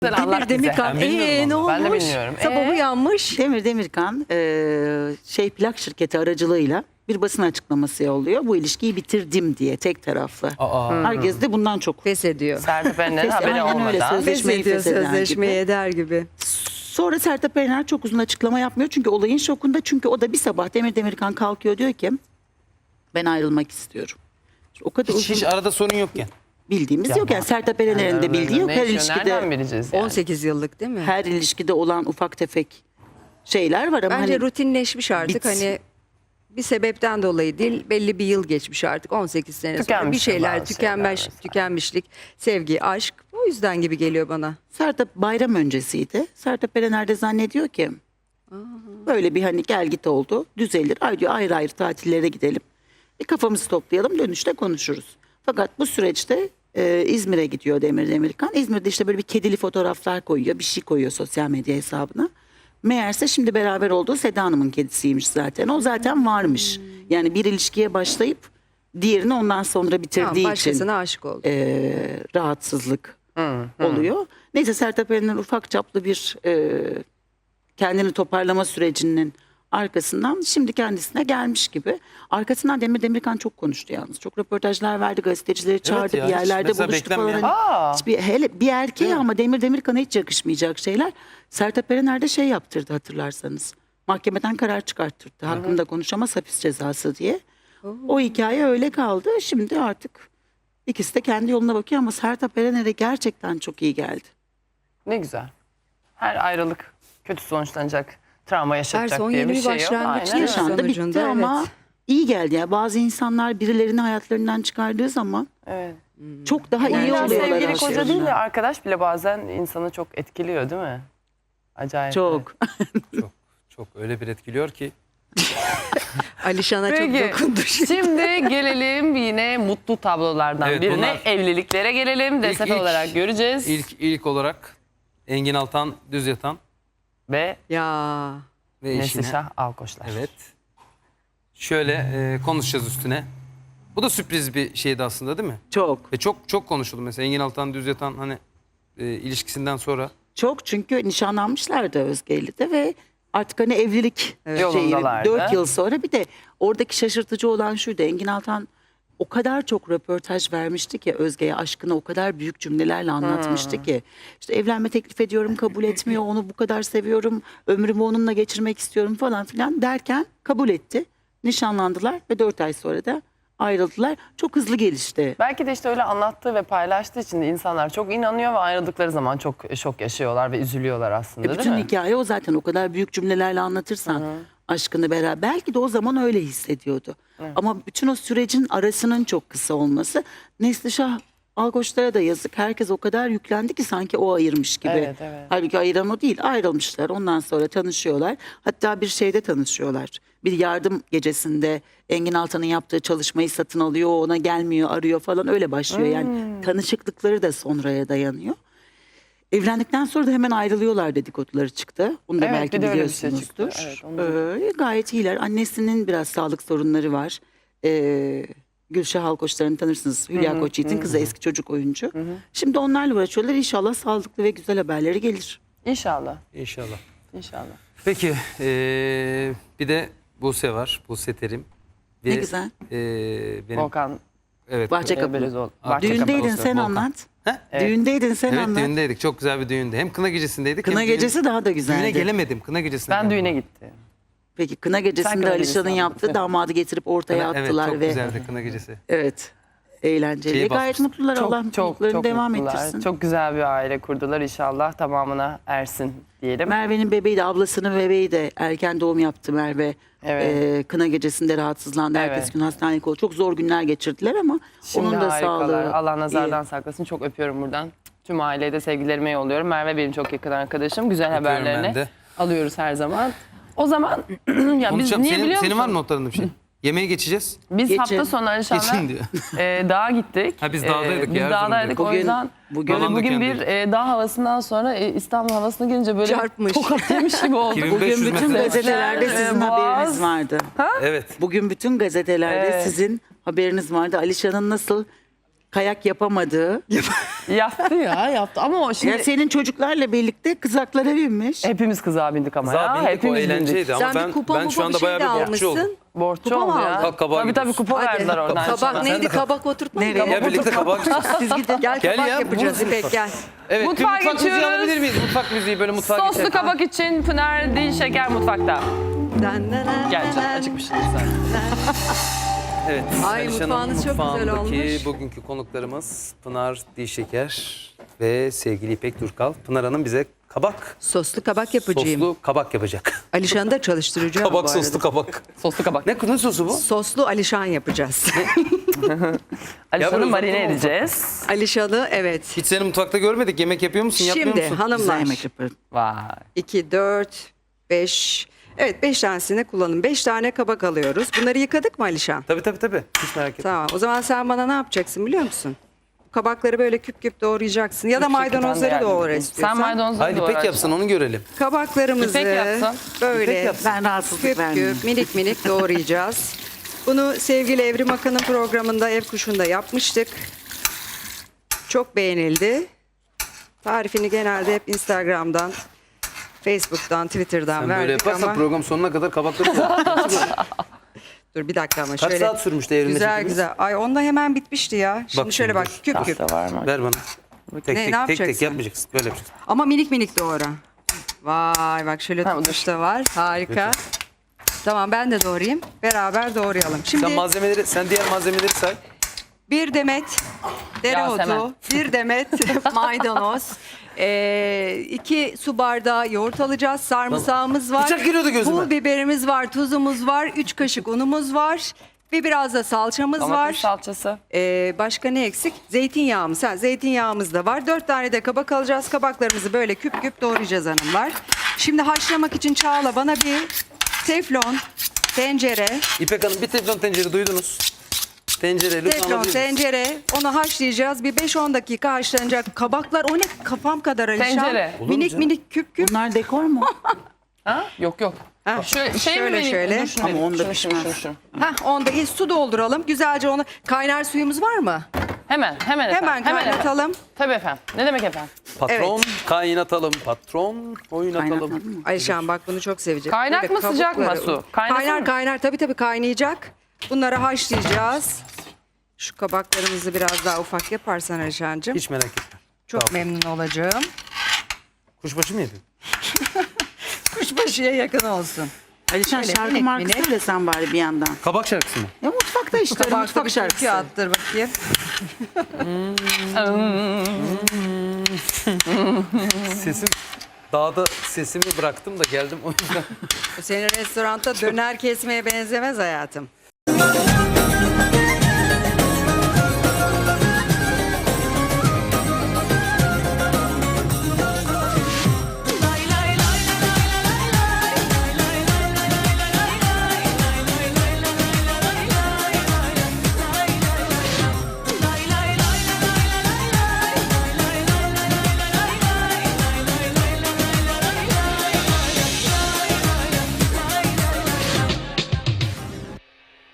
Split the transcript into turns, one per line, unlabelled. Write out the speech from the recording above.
Demir Demirkan. Ne olmuş?
Ben de bilmiyorum.
Sabah uyanmış.
Demir Demirkan plak şirketi aracılığıyla bir basın açıklaması yolluyor. Bu ilişkiyi bitirdim diye tek taraflı. Herkes de bundan çok
Feshediyor.
Sertab Erener'in haberi
Aynen öyle,
olmadan.
sözleşmeyi
Feshediyor,
fesheden
sözleşmeyi
gibi.
eder gibi.
Sonra Sertab Erener çok uzun açıklama yapmıyor. Çünkü olayın şokunda. Çünkü o da bir sabah Demir Demirkan kalkıyor, diyor ki ben ayrılmak istiyorum. O kadar uzun
Hiç arada sorun yokken.
bildiğimiz yok. Yani Sertab Erener'in de bildiği yok.
Ne
Her
yaşıyor, nereden
ilişkide,
bileceğiz yani?
18 yıllık değil mi?
her ilişkide olan ufak tefek şeyler var ama
Bence
hani
rutinleşmiş artık.
bitsin.
Hani bir sebepten dolayı değil, belli bir yıl geçmiş artık. 18 sene sonra bir
Tükenmiştir
şeyler
bazı şeyler mesela.
tükenmişlik, sevgi, aşk. O yüzden gibi geliyor bana.
Sertab bayram öncesiydi. Sertab Erener de zannediyor ki böyle bir hani gel git oldu, düzelir. Ay diyor, ayrı ayrı tatillere gidelim. Bir kafamızı toplayalım, dönüşte konuşuruz. Fakat bu süreçte İzmir'e gidiyor Demir Demirkan. İzmir'de işte böyle bir kedili fotoğraflar koyuyor, bir şey koyuyor sosyal medya hesabına. Meğerse şimdi beraber olduğu Seda Hanım'ın kedisiymiş zaten. O zaten varmış. Yani bir ilişkiye başlayıp diğerini ondan sonra bitirdiği için
Başkasına aşık oldu.
rahatsızlık oluyor. Neyse Sertab Erener ufak çaplı bir kendini toparlama sürecinin arkasından şimdi kendisine gelmiş gibi. Arkasından Demir Demirkan çok konuştu yalnız. Çok röportajlar verdi, gazetecileri çağırdı,
ya,
bir
hiç
yerlerde
mesela
buluştu falan.
beklenmeyen.
Hani hele bir erkeğe ama Demir Demirkan'a hiç yakışmayacak şeyler. Sertab Erener de şey yaptırdı hatırlarsanız. Mahkemeden karar çıkarttırdı. Hakkında konuşamaz, hapis cezası diye. O hikaye öyle kaldı. Şimdi artık ikisi de kendi yoluna bakıyor ama Sertab Erener'e gerçekten çok iyi geldi.
Ne güzel. Her ayrılık kötü sonuçlanacak, travma yaşatacak
son
diye
yeni
bir
bir
şey yok.
başlangıç
Aynen öyle.
Yaşandı,
sonucunda,
bitti ama
evet.
iyi geldi. Yani bazı insanlar birilerini hayatlarından çıkardığı zaman
Evet.
çok daha iyi
Yani
oluyorlar.
sevgili koca
aslında.
değil de arkadaş bile bazen insanı çok etkiliyor değil mi? Acayip.
Çok.
Çok öyle bir etkiliyor ki.
Alişan'a çok
Peki
dokundu.
şimdi gelelim yine mutlu tablolardan
Evet,
birine.
bunlar-
Evliliklere gelelim. DSF olarak göreceğiz.
İlk olarak Engin Altan Düz Yatan
Ve
Ya.
ve eşine.
Neslişah Alkoçlar.
Evet. Şöyle konuşacağız üstüne. Bu da sürpriz bir şeydi aslında değil mi?
Çok.
Ve çok konuşuldu mesela Engin Altan Düz Yatan hani ilişkisinden sonra.
Çok, çünkü nişanlanmışlardı Özge ile de ve artık hani evlilik
Yolundalardı.
4 yıl sonra. Bir de oradaki şaşırtıcı olan şuydu. Engin Altan o kadar çok röportaj vermişti ki Özge'ye, aşkını o kadar büyük cümlelerle anlatmıştı ki. İşte evlenme teklif ediyorum, kabul etmiyor, onu bu kadar seviyorum, ömrümü onunla geçirmek istiyorum falan filan derken kabul etti. Nişanlandılar ve 4 ay sonra da ayrıldılar. Çok hızlı gelişti.
Belki de işte öyle anlattığı ve paylaştığı için de insanlar çok inanıyor ve ayrıldıkları zaman çok şok yaşıyorlar ve üzülüyorlar aslında değil
Bütün
mi?
hikaye o zaten, o kadar büyük cümlelerle anlatırsan aşkını beraber, belki de o zaman öyle hissediyordu. Ama bütün o sürecin arasının çok kısa olması, Neslişah Alkoçlar'a da yazık. Herkes o kadar yüklendi ki sanki o ayırmış gibi.
Evet, evet.
Halbuki ayıran o değil. Ayrılmışlar. Ondan sonra tanışıyorlar. Hatta bir şeyde tanışıyorlar. Bir yardım gecesinde Engin Altan'ın yaptığı çalışmayı satın alıyor. O ona gelmiyor, arıyor falan, öyle başlıyor. Yani tanışıklıkları da sonraya dayanıyor. Evlendikten sonra da hemen ayrılıyorlar dedikoduları çıktı. Onu da
Evet,
belki
bir de öyle bir şey
biliyorsunuzdur.
çıktı. Evet, onu
Gayet iyiler. Annesinin biraz sağlık sorunları var. Gülşah Alkoçlar'ını tanırsınız. Hülya Koçyiğit'in kızı, eski çocuk oyuncu. Şimdi onlarla uğraşıyorlar. İnşallah sağlıklı ve güzel haberleri gelir.
İnşallah.
İnşallah.
İnşallah.
Peki bir de Buse var. Buse Terim.
Ne güzel.
Benim,
Volkan
evet.
Bahçekapı.
Belezoğlu.
Düğündeydin,
Olsa,
sen
Volkan.
anlat.
He?
Evet.
Düğündeydin, sen
Evet,
anlat.
düğündeydik. Çok güzel bir düğündü. Hem kına gecesindeydik.
Kına
hem
gecesi daha da güzeldi.
Düğüne gelemedim. Kına gecesine.
Ben düğüne gittim.
Peki kına gecesinde
kına
Alişan'ın
gecesini
yaptığı
anlat.
damadı getirip ortaya
Evet,
attılar
çok
ve
güzeldi kına gecesi.
evet, eğlenceli.
Şeyi
Gayet
basmıştı.
mutlular. Allah mutluluklarını devam
mutlular.
ettirsin.
Çok güzel bir aile kurdular. İnşallah tamamına ersin diyelim.
Merve'nin bebeği de, ablasının bebeği de erken doğum yaptı Merve.
Evet.
Kına gecesinde rahatsızlandı.
Evet.
Ertesi gün hastanelik oldu. Çok zor günler geçirdiler ama
Şimdi
onun da
harikalar.
sağlığı
Allah nazardan
iyi.
saklasın. Çok öpüyorum buradan. Tüm aileye de sevgilerimi yolluyorum. Merve benim çok yakın arkadaşım. Güzel
Öpüyorum ben
haberlerini
de.
alıyoruz her zaman. O zaman ya biz
Konuşacağım.
niye biliyor
Senin var mı
musun?
notlarında bir şey? Yemeğe geçeceğiz.
Biz
Geçin.
hafta sonu Alişan'la
Geçin diyor.
dağa gittik.
Ha, biz dağdaydık
Biz
ya,
dağdaydık. O
Bugün-
yüzden
bugün-
böyle bugün bir
Alandöken'deyiz.
dağ havasından sonra İstanbul havasına gelince böyle
Çarpmış.
tokat yemiş gibi olduk.
2500
Bugün bütün
metre.
gazetelerde sizin
Boğaz.
haberiniz vardı.
Evet.
Bugün bütün gazetelerde
Evet.
sizin haberiniz vardı. Alişan'ın nasıl kayak yapamadığı.
Yaptı ya yaptı ama o şimdi
Ya senin çocuklarla birlikte kızaklara binmiş.
hepimiz kızağa bindik ama
Kızağa
ya.
bindik, o
Hepimiz bindik.
eğlenceydi ama
Sen bir kupa
ben şu anda
şey
bayağı
de
bir borçlu oldum.
almışsın.
Borçlu
Kupa mı
oldu ya.
aldın?
Kalk kabağa
Tabii
gidiyorsun.
kupa verdiler oradan.
Kabak neydi? Kabak oturtma mı?
Nereye?
Gel birlikte kabağa gideceğiz.
Siz gidin.
Gel
Gel
kabak
ya,
yapacağız
buluruz
İpek gel.
Evet,
Mutfağa
bir mutfak müziği
geçiyoruz.
alabilir miyiz? Mutfak müziği böyle mutfağa
Soslu
geçelim.
kabak için Pınar Dilşeker mutfakta. Gel canım acıkmışsın sen.
Evet.
Ay,
Alişan'ın
mutfağınız çok güzel
mutfağındaki
olmuş.
bugünkü konuklarımız Pınar Dilşeker ve sevgili İpek Durkal. Pınar Hanım bize kabak
Soslu kabak yapacağım.
soslu kabak yapacak.
Alişan'ı da çalıştıracağım bu
Kabak
arada.
soslu kabak.
Soslu kabak.
Ne sosu bu?
Soslu Alişan yapacağız.
Alişan'ı
böyle
marine
uzatma oldu.
edeceğiz.
Alişan'ı evet.
Hiç seni mutfakta görmedik. Yemek yapıyor musun? Yapmıyor
Şimdi
musun?
Güzel
hanımlar
yemek yaparım.
Vay.
2, 4, 5. Evet 5 tanesini kullanın. 5 tane kabak alıyoruz. Bunları yıkadık mı Alişan?
Tabii. Hiç merak etme.
Tamam. O zaman sen bana ne yapacaksın biliyor musun? Kabakları böyle küp küp doğrayacaksın. Ya da maydanozları doğra
Sen
istiyorsan.
maydanozları
Haydi
doğra.
İpek yapsın onu görelim.
Kabaklarımızı
İpek yapsın.
böyle
İpek yapsın.
Ben rahatsızlık
küp
vermeyeyim.
küp minik minik doğrayacağız. Bunu sevgili Evrim Akın'ın programında Ev Kuşu'nda yapmıştık. Çok beğenildi. Tarifini genelde hep Instagram'dan, Facebook'tan, Twitter'dan
Sen böyle
verdik
yaparsan
ama...
program sonuna kadar kabakları
Dur bir dakika ama
Kaç
şöyle.
saat sürmüştü evrimde
Güzel
çekimimiz?
güzel. Ay onda hemen bitmişti ya. Şimdi
Bak
şöyle
şimdi
bak
dur.
küp küp.
Pasta var mı?
Ver bana. Tek
Ne
tek
yapacaksın?
yapmayacaksın. Böyle yapacaksın.
Ama minik minik doğra. Vay bak şöyle
Ha, bu
tutmuş da var. Harika. Tamam ben de doğrayayım. Beraber doğrayalım. Şimdi
Sen diğer malzemeleri say.
bir demet dereotu,
Yasemen.
bir demet maydanoz, 2 su bardağı yoğurt alacağız. Sarımsağımız var.
Bıçak giriyordu gözüme.
Pul biberimiz var, tuzumuz var, 3 kaşık unumuz var. Ve biraz da salçamız var.
Domates salçası.
Başka ne eksik? Zeytinyağımız. Zeytinyağımız da var. 4 tane de kabak alacağız. Kabaklarımızı böyle küp küp doğrayacağız hanımlar. Şimdi haşlamak için Çağla bana bir teflon tencere,
İpek Hanım bir teflon tencere duydunuz. Tencere lütfen
teflon
alabilir misiniz?
tencere. Onu haşlayacağız. Bir 5-10 dakika haşlanacak. Kabaklar o ne kafam kadar Alişan.
Tencere.
Olur mu
Minik
canım?
minik küp küp.
Bunlar dekor mu?
Ha? Yok.
Ha,
Şöyle, şey
şöyle,
mi vereyim?
şöyle.
Dur şunu
Ama
vereyim.
onda
Şunu.
pişmez.
Onda su dolduralım. Güzelce onu. Kaynar suyumuz var mı?
Hemen efendim.
Hemen kaynatalım.
Tabii efendim. Ne demek efendim?
Patron kaynatalım. Patron oynatalım.
Kaynatmadın mı?
Ayşen bak bunu çok sevecek.
Kaynak
Böyle
mı, sıcak mı
kabukları-
su? Kaynasın mı?
Kaynar tabii kaynayacak. Bunları haşlayacağız. Şu kabaklarımızı biraz daha ufak yaparsan Ayşen'cim.
Hiç merak etme.
Çok
Tamam.
memnun olacağım.
Kuşbaşı mı yedin?
Kuşbaşıya yakın olsun.
Alişan
Şöyle
şarkı
minik
markası
minik.
söylesen bari bir yandan.
Kabak şarkısı mı?
Ya mutfakta işte
Kabakta
mutfak
bir
şarkısı.
türkü attır bakayım.
Sesim dağda sesimi bıraktım da geldim o yüzden.
Bu senin restoranda döner kesmeye benzemez hayatım.